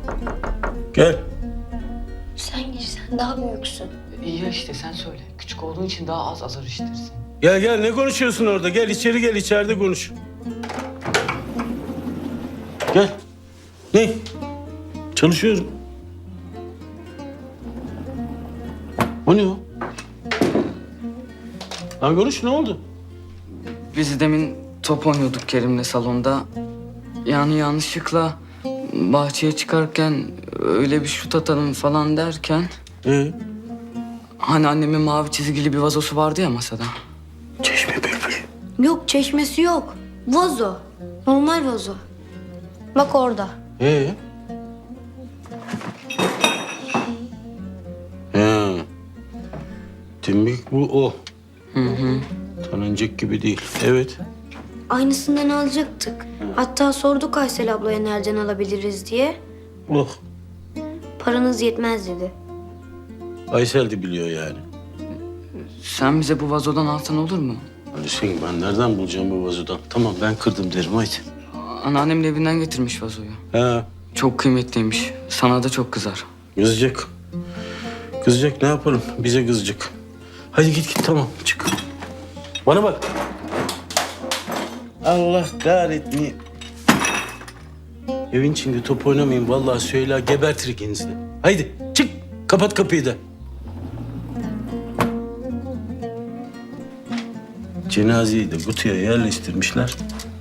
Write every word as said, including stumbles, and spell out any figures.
Gel. Sen gir, sen daha büyüksün. İyi ya işte sen söyle. Küçük olduğun için daha az azar işitirsin. Gel gel, ne konuşuyorsun orada? Gel içeri gel, içeride konuş. Gel. Ne? Çalışıyorum. O ne o? Lan konuş, ne oldu? Biz demin top oynuyorduk Kerim'le salonda. Yani yanlışlıkla bahçeye çıkarken öyle bir şut atalım falan derken... Ee? Hani annemin mavi çizgili bir vazosu vardı ya masada. Çeşme bülbül. Yok, çeşmesi yok. Vazo. Normal vazo. Bak orada. Ee? He. Demek bu o. Hı hı. Tanınacak gibi değil. Evet. Aynısından alacaktık. Hatta sorduk Aysel ablaya nereden alabiliriz diye. Oh. Paranız yetmez dedi. Aysel de biliyor yani. Sen bize bu vazodan alsan olur mu? Hüseyin, ben nereden bulacağım bu vazodan? Tamam, ben kırdım derim, haydi. Anneannemin evinden getirmiş vazoyu. Ha, Çok kıymetliymiş. Sana da çok kızar. kızacak. Kızacak, ne yapalım? Bize kızacak. Hadi git git, tamam, çık. Bana bak. Allah kahretmeyin. Evin içinde top oynamayın. Vallahi Süheyla gebertir ikinizi de. Haydi çık, kapat kapıyı da. Cenazeyi de kutuya yerleştirmişler.